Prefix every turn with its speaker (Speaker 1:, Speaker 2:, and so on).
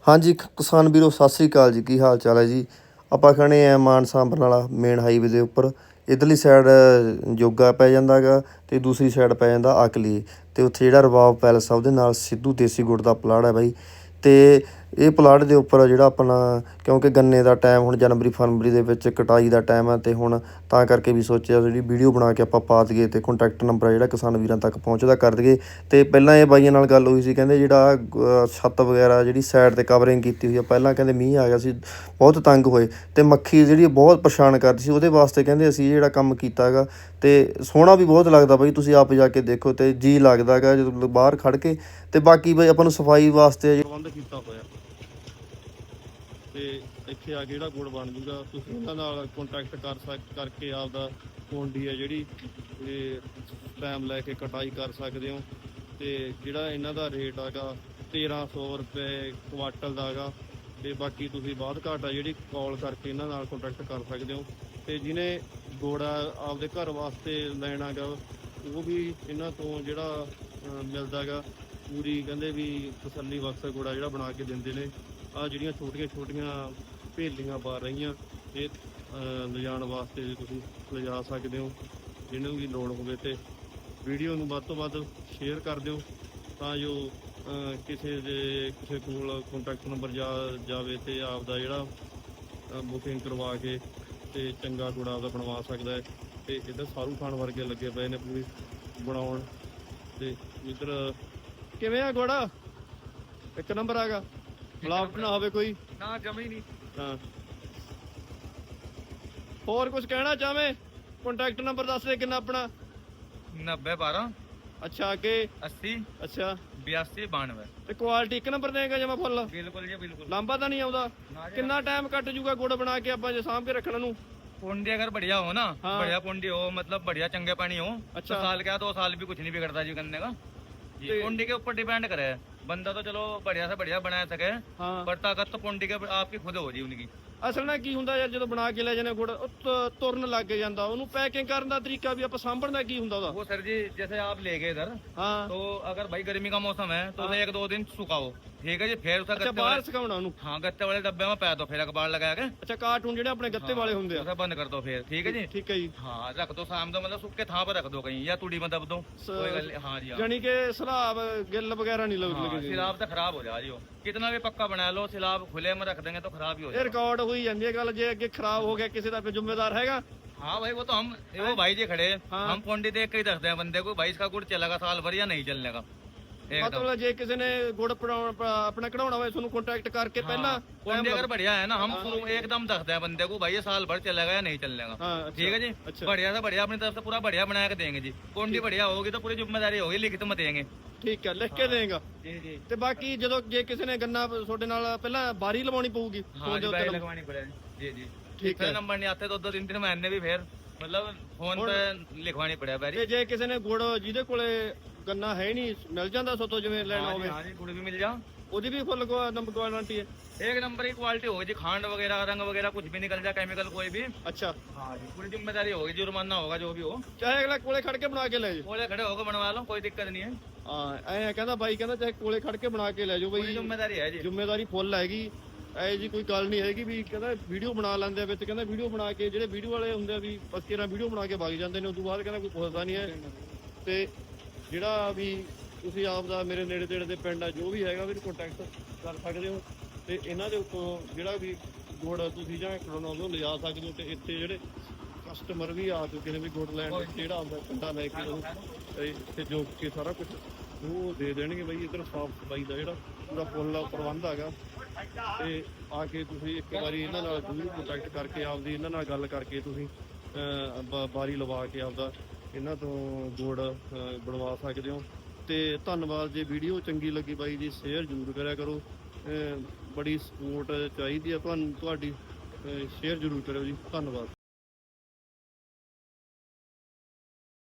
Speaker 1: ਹਾਂਜੀ ਕਿਸਾਨ ਵੀਰੋ ਸਤਿ ਸ੍ਰੀ ਅਕਾਲ ਜੀ। ਕੀ ਹਾਲ ਚਾਲ ਹੈ ਜੀ। ਆਪਾਂ ਖੜੇ ਆ ਮਾਨਸਾ ਬਰਨਾਲਾ ਮੇਨ ਹਾਈਵੇ ਦੇ ਉੱਪਰ। ਇੱਧਰਲੀ ਸਾਈਡ ਜੋਗਾ ਪੈ ਜਾਂਦਾ ਗਾ ਅਤੇ ਦੂਸਰੀ ਸਾਈਡ ਪੈ ਜਾਂਦਾ ਆਕਲੀ। ਅਤੇ ਉੱਥੇ ਜਿਹੜਾ ਰਵਾਬ ਪੈਲਸ ਆ ਉਹਦੇ ਨਾਲ ਸਿੱਧੂ ਦੇਸੀ ਗੁੜ ਦਾ ਪਲਾਟ ਹੈ ਬਾਈ। ਅਤੇ ਇਹ ਪਲਾਟ ਦੇ ਉੱਪਰ ਜਿਹੜਾ ਆਪਣਾ ਕਿਉਂਕਿ ਗੰਨੇ ਦਾ ਟਾਈਮ ਹੁਣ ਜਨਵਰੀ ਫਰਵਰੀ ਦੇ ਵਿੱਚ ਕਟਾਈ ਦਾ ਟਾਈਮ ਹੈ, ਅਤੇ ਹੁਣ ਤਾਂ ਕਰਕੇ ਵੀ ਸੋਚਿਆ ਜਿਹੜੀ ਵੀਡੀਓ ਬਣਾ ਕੇ ਆਪਾਂ ਪਾ ਦਈਏ ਅਤੇ ਕੰਟੈਕਟ ਨੰਬਰ ਜਿਹੜਾ ਕਿਸਾਨ ਵੀਰਾਂ ਤੱਕ ਪਹੁੰਚਦਾ ਕਰ ਦਈਏ। ਅਤੇ ਪਹਿਲਾਂ ਇਹ ਬਾਈਆਂ ਨਾਲ ਗੱਲ ਹੋਈ ਸੀ, ਕਹਿੰਦੇ ਜਿਹੜਾ ਛੱਤ ਵਗੈਰਾ ਜਿਹੜੀ ਸਾਈਡ 'ਤੇ ਕਵਰਿੰਗ ਕੀਤੀ ਹੋਈ ਆ, ਪਹਿਲਾਂ ਕਹਿੰਦੇ ਮੀਂਹ ਆ ਗਿਆ ਸੀ ਬਹੁਤ ਤੰਗ ਹੋਏ ਅਤੇ ਮੱਖੀ ਜਿਹੜੀ ਬਹੁਤ ਪਰੇਸ਼ਾਨ ਕਰਦੀ ਸੀ। ਉਹਦੇ ਵਾਸਤੇ ਕਹਿੰਦੇ ਅਸੀਂ ਜਿਹੜਾ ਕੰਮ ਕੀਤਾ ਹੈਗਾ ਅਤੇ ਸੋਹਣਾ ਵੀ ਬਹੁਤ ਲੱਗਦਾ ਬਾਈ। ਤੁਸੀਂ ਆਪ ਜਾ ਕੇ ਦੇਖੋ ਅਤੇ ਜੀ ਲੱਗਦਾ ਹੈਗਾ ਜਦੋਂ ਬਾਹਰ ਖੜ੍ਹ ਕੇ। ਅਤੇ ਬਾਕੀ ਬਾਈ ਆਪਾਂ ਨੂੰ ਸਫਾਈ ਵਾਸਤੇ ਪ੍ਰਬੰਧ ਕੀਤਾ ਹੋਇਆ ਅਤੇ ਇੱਥੇ ਆ ਕੇ ਜਿਹੜਾ ਗੁੜ ਬਣ ਜੂਗਾ ਤੁਸੀਂ ਇਹਨਾਂ ਨਾਲ ਕੰਟੈਕਟ ਕਰਕੇ ਆਪਦਾ ਪੌਂਡੀ ਹੈ ਜਿਹੜੀ ਇਹ ਟਾਈਮ ਲੈ ਕੇ ਕਟਾਈ ਕਰ ਸਕਦੇ ਹੋ। ਅਤੇ ਜਿਹੜਾ ਇਹਨਾਂ ਦਾ ਰੇਟ ਹੈਗਾ 1300 ਰੁਪਏ ਕੁਆਟਲ ਦਾ ਹੈਗਾ। ਅਤੇ ਬਾਕੀ ਤੁਸੀਂ ਬਾਅਦ ਘਾਟ ਆ ਜਿਹੜੀ ਕਾਲ ਕਰਕੇ ਇਹਨਾਂ ਨਾਲ ਕੰਟੈਕਟ ਕਰ ਸਕਦੇ ਹੋ। ਅਤੇ ਜਿਹਨੇ ਗੁੜ ਆਪਦੇ ਘਰ ਵਾਸਤੇ ਲੈਣਾ ਗਾ ਉਹ ਵੀ ਇਹਨਾਂ ਤੋਂ ਜਿਹੜਾ ਮਿਲਦਾ ਗਾ ਪੂਰੀ ਕਹਿੰਦੇ ਵੀ ਤਸੱਲੀ ਬਖਸ਼ ਗੁੜਾ ਜਿਹੜਾ ਬਣਾ ਕੇ ਦਿੰਦੇ ਨੇ। ਆਹ ਜਿਹੜੀਆਂ ਛੋਟੀਆਂ ਛੋਟੀਆਂ ਭੇਲੀਆਂ ਪਾ ਰਹੀਆਂ ਇਹ ਲਿਜਾਣ ਵਾਸਤੇ ਤੁਸੀਂ ਲਿਜਾ ਸਕਦੇ ਹੋ। ਜਿਹਨੂੰ ਵੀ ਲੋੜ ਹੋਵੇ ਅਤੇ ਵੀਡੀਓ ਨੂੰ ਵੱਧ ਤੋਂ ਵੱਧ ਸ਼ੇਅਰ ਕਰ ਦਿਓ ਤਾਂ ਜੋ ਕਿਸੇ ਕੋਲ ਕੰਟੈਕਟ ਨੰਬਰ ਜਾਵੇ ਅਤੇ ਆਪਦਾ ਜਿਹੜਾ ਬੁਕਿੰਗ ਕਰਵਾ ਕੇ ਅਤੇ ਚੰਗਾ ਗੁੜ ਆਪਦਾ ਬਣਵਾ ਸਕਦਾ ਹੈ। ਅਤੇ ਇੱਧਰ ਸਾਰੂ ਖਾਨ ਵਰਗੇ ਲੱਗੇ ਪਏ ਨੇ ਪੂਰੀ ਬਣਾਉਣ। ਅਤੇ ਇੱਧਰ ਕਿਵੇਂ ਆ ਗੁੜ? ਇੱਕ ਨੰਬਰ ਹੈਗਾ, ਮਿਲਾਵਟ ਨਾ ਹੋਵੇ ਕੋਈ
Speaker 2: ਨਾ, ਜਮੀ ਨਹੀਂ।
Speaker 1: ਹਾਂ, ਹੋਰ ਕੁਝ ਕਹਿਣਾ ਚਾਹਵੇਂ? ਕੰਟੈਕਟ ਨੰਬਰ ਦੱਸ ਦੇ ਕਿੰਨਾ ਆਪਣਾ?
Speaker 2: 90 12
Speaker 1: ਅੱਛਾ, ਅੱਗੇ
Speaker 2: 80
Speaker 1: ਅੱਛਾ
Speaker 2: 82 92।
Speaker 1: ਤੇ ਕੁਆਲਿਟੀ ਇੱਕ ਨੰਬਰ ਦੇਗਾ ਜਮਾ ਫੁੱਲ?
Speaker 2: ਬਿਲਕੁਲ ਜੀ ਬਿਲकुल।
Speaker 1: ਲਾਂਬਾ ਤਾਂ ਨਹੀਂ ਆਉਂਦਾ? ਕਿੰਨਾ ਟਾਈਮ ਕੱਟ ਜੂਗਾ ਗੁੜ ਬਣਾ ਕੇ ਆਪਾਂ ਜੇ ਸਾਂਭ ਕੇ ਰੱਖਣ ਨੂੰ?
Speaker 2: पुंडी अगर बढ़िया हो ना,
Speaker 1: हाँ।
Speaker 2: बढ़िया पुंडी हो मतलब बढ़िया चंगे पानी हो।
Speaker 1: अच्छा।
Speaker 2: तो साल क्या 2 साल भी कुछ नहीं बिगड़ता जी गन्ने का। जी पुंडी के ऊपर डिपेंड करे। बंदा तो चलो बढ़िया से बढ़िया बना सके,
Speaker 1: हाँ।
Speaker 2: पर ताकत तो पुंडी के आपकी खुद हो जी उनकी।
Speaker 1: ਅਸਲ ਨਾਲ ਕੀ ਹੁੰਦਾ ਯਾਰ, ਜਦੋਂ ਬਣਾ ਕੇ ਲੈ ਜਾਂਦੇ ਗੁੜ ਤੁਰਨ ਲੱਗ ਜਾਂਦਾ, ਉਹਨੂੰ ਪੈਕਿੰਗ ਕਰਨ ਦਾ ਤਰੀਕਾ ਵੀ ਆਪਾਂ ਸਾਂਭਣ ਦਾ ਕੀ ਹੁੰਦਾ ਉਹਦਾ?
Speaker 2: वो सर जी जैसे आप ले गए इधर,
Speaker 1: ਹਾਂ
Speaker 2: तो अगर भाई गर्मी का मौसम है तो उसे 1-2 दिन सुखाओ, ठीक है जी। फिर उसे
Speaker 1: ਅੱਛਾ,
Speaker 2: गत्ते
Speaker 1: ਬਾਹਰ
Speaker 2: वाले,
Speaker 1: ਸੁਕਾਉਣਾ ਉਹਨੂੰ?
Speaker 2: हाँ गत्ते वाले डब्बे में पै दो, फिर अखबार लगा के।
Speaker 1: ਅੱਛਾ, ਕਾਰਟੂਨ ਜਿਹੜੇ ਆਪਣੇ ਗੱਤੇ ਵਾਲੇ ਹੁੰਦੇ ਆ?
Speaker 2: उसे बंद कर दो फिर, ठीक है जी।
Speaker 1: ਠੀਕ ਹੈ ਜੀ।
Speaker 2: हाँ रख दो शाम को, मतलब सूखे थां पर रख दो कहीं, या तूड़ी में दब दो, कोई गल नहीं। हाँ जी हाँ।
Speaker 1: ਜਾਨੀ ਕਿ ਸਲਾਬ ਗਿੱਲ ਵਗੈਰਾ ਨਹੀਂ
Speaker 2: हाँ,
Speaker 1: ਲੱਗੇ?
Speaker 2: सिलाब तो खराब हो जाए जी। कितना भी पक्का बना लो, सिलाब खुले में रख देंगे तो खराब ही हो
Speaker 1: ਇਹ
Speaker 2: जाए।
Speaker 1: ਰਿਕਾਰਡ ਹੋਈ ਜਾਂਦੀ ਹੈ ਗੱਲ, ਜੇ ਅੱਗੇ ਖਰਾਬ ਹੋ ਗਿਆ ਕਿਸੇ ਦਾ ਫਿਰ ਜ਼ਿੰਮੇਦਾਰ ਹੈਗਾ?
Speaker 2: हाँ भाई वो तो हम, वो भाई जी खड़े,
Speaker 1: हाँ।
Speaker 2: हम पोंडी देख के ही दसते हैं बंदे को भाई इसका गुड़ चलेगा साल भर या नहीं चलने का। एकदम
Speaker 1: ਮਤਲਬ ਜੇ ਕਿਸੇ ਨੇ ਗੁੜ ਆਪਣਾ ਕਢਾਉਣਾ ਹੋਵੇ ਤੁਹਾਨੂੰ ਕੰਟੈਕਟ ਕਰਕੇ ਪਹਿਲਾਂ
Speaker 2: पोंडी अगर बढ़िया है ना, हम एकदम दसते हैं बंदे को भाई ये साल भर चलेगा या नहीं चलने का।
Speaker 1: हाँ, अच्छा,
Speaker 2: ठीक है जी।
Speaker 1: अच्छा।
Speaker 2: बढ़िया से बढ़िया अपनी तरफ से पूरा बढ़िया बना के देंगे जी। पोंडी बढ़िया होगी तो पूरी जिम्मेदारी होगी, लिखित में देंगे।
Speaker 1: ਠੀਕ ਹੈ, ਲਿਖ ਕੇ ਦੇਗਾ।
Speaker 2: जी जी
Speaker 1: ਤੇ ਬਾਕੀ ਜਦੋਂ ਜੇ ਕਿਸੇ ਨੇ ਗੰਨਾ ਤੁਹਾਡੇ ਨਾਲ ਪਹਿਲਾਂ ਬਾਰੀ ਲਵਾਉਣੀ ਪਊਗੀ
Speaker 2: हाँ
Speaker 1: ਫੋਨ ਦੇ
Speaker 2: जी,
Speaker 1: ਉੱਤੇ?
Speaker 2: बैग लगवानी पड़ेगी। जी जी
Speaker 1: ठीक है।
Speaker 2: नंबर नहीं आते तो 2-3 महीने भी फिर मतलब फोन पे लिखवानी पड़ेगा बैरी।
Speaker 1: ਤੇ ਜੇ ਕਿਸੇ ਨੇ ਗੁੜ ਜਿਹਦੇ ਕੋਲੇ ਗੰਨਾ ਹੈ ਨਹੀਂ ਮਿਲ ਜਾਂਦਾ ਸੋਤੋਂ ਜਿਵੇਂ ਲੈਣਾ
Speaker 2: हाँ जी
Speaker 1: ਹੋਵੇ,
Speaker 2: हाँ जी, गुड़ भी मिल जाओ,
Speaker 1: ਉਹਦੀ ਵੀ ਫੁੱਲ ਨੰਬਰ ਗਾਰੰਟੀ ਹੈ?
Speaker 2: एक नंबर की क्वालिटी होगी जी। खांड वगैरह रंग वगैरह कुछ भी निकल जाए, केमिकल कोई भी।
Speaker 1: ਅੱਛਾ,
Speaker 2: हाँ जी, पूरी जिम्मेदारी होगी, जुर्माना होगा जो भी हो।
Speaker 1: ਚਾਹੇ ਅਗਲਾ ਕੋਲੇ ਖੜ ਕੇ ਬਣਾ ਕੇ ਲੈ ਜਾਓ।
Speaker 2: बोले खड़े होकर बनवा लो, कोई दिक्कत नहीं है।
Speaker 1: ਹਾਂ, ਐਂ ਕਹਿੰਦਾ ਬਾਈ, ਕਹਿੰਦਾ ਚਾਹੇ ਕੋਲੇ ਖੜ ਕੇ ਬਣਾ ਕੇ ਲੈ ਜਾਓ
Speaker 2: पूरी
Speaker 1: ਬਈ,
Speaker 2: जिम्मेदारी है जी।
Speaker 1: ਜ਼ਿੰਮੇਵਾਰੀ ਫੁੱਲ ਹੈਗੀ। ਐ ਜੀ ਕੋਈ ਗੱਲ ਨਹੀਂ ਹੈਗੀ ਵੀ ਕਹਿੰਦਾ ਵੀਡੀਓ ਬਣਾ ਲੈਂਦੇ ਆ ਵਿੱਚ, ਕਹਿੰਦਾ ਵੀਡੀਓ ਬਣਾ ਕੇ ਜਿਹੜੇ ਵੀਡੀਓ ਵਾਲੇ ਹੁੰਦੇ ਆ ਵੀ ਬਸ ਕਿਹੜਾ ਵੀਡੀਓ ਬਣਾ ਕੇ ਵਗ ਜਾਂਦੇ ਨੇ, ਉਸ ਤੋਂ ਬਾਅਦ ਕਹਿੰਦਾ ਕੋਈ ਪੁੱਛਦਾ ਨਹੀਂ ਹੈ। ਤੇ ਜਿਹੜਾ ਵੀ ਤੁਸੀਂ ਆਪ ਦਾ ਮੇਰੇ ਨੇੜੇ ਤੇੜੇ ਦੇ ਪਿੰਡ ਆ ਜੋ ਵੀ ਹੈਗਾ ਵੀ ਕੰਟੈਕਟ ਕਰ ਸਕਦੇ ਹੋ। ਤੇ ਇਹਨਾਂ ਦੇ ਉੱਤੋਂ ਜਿਹੜਾ ਵੀ ਗੁੜ ਤੁਸੀਂ ਜਾਂ ਕਢਾਉਣਾ ਲਿਜਾ ਸਕਦੇ ਹੋ। ਤੇ ਇੱਥੇ ਜਿਹੜੇ ਕਸਟਮਰ ਵੀ ਆ ਚੁੱਕੇ ਨੇ ਵੀ ਗੁੜ ਲੈਣ, ਜਿਹੜਾ ਆਉਂਦਾ ਪਿੰਡਾ ਲੈ ਕੇ ਉਹ ਇੱਥੇ ਜੋ ਕੇ ਸਾਰਾ ਕੁਝ ਉਹ ਦੇ ਦੇਣਗੇ ਬਈ। ਇੱਧਰ ਸਾਫ ਸਫਾਈ ਦਾ ਜਿਹੜਾ ਪੂਰਾ ਫੁੱਲ ਪ੍ਰਬੰਧ ਹੈਗਾ। ਤੇ ਆ ਕੇ ਤੁਸੀਂ ਇੱਕ ਵਾਰੀ ਇਹਨਾਂ ਨਾਲ ਜ਼ਰੂਰ ਕੰਟੈਕਟ ਕਰਕੇ ਆਪਦੀ ਇਹਨਾਂ ਨਾਲ ਗੱਲ ਕਰਕੇ ਤੁਸੀਂ ਬਾਰੀ ਲਵਾ ਕੇ ਆਪਦਾ ਇਹਨਾਂ ਤੋਂ ਗੁੜ ਬਣਵਾ ਸਕਦੇ ਹੋ। ਤੇ ਧੰਨਵਾਦ। ਜੇ ਵੀਡੀਓ ਚੰਗੀ ਲੱਗੀ ਬਾਈ ਜੀ ਸ਼ੇਅਰ ਜ਼ਰੂਰ ਕਰਿਆ ਕਰੋ, ਬੜੀ ਸਪੋਰਟ ਚਾਹੀਦੀ ਆ ਤੁਹਾਨੂੰ, ਤੁਹਾਡੀ ਸ਼ੇਅਰ ਜ਼ਰੂਰ ਕਰਿਓ ਜੀ। ਧੰਨਵਾਦ।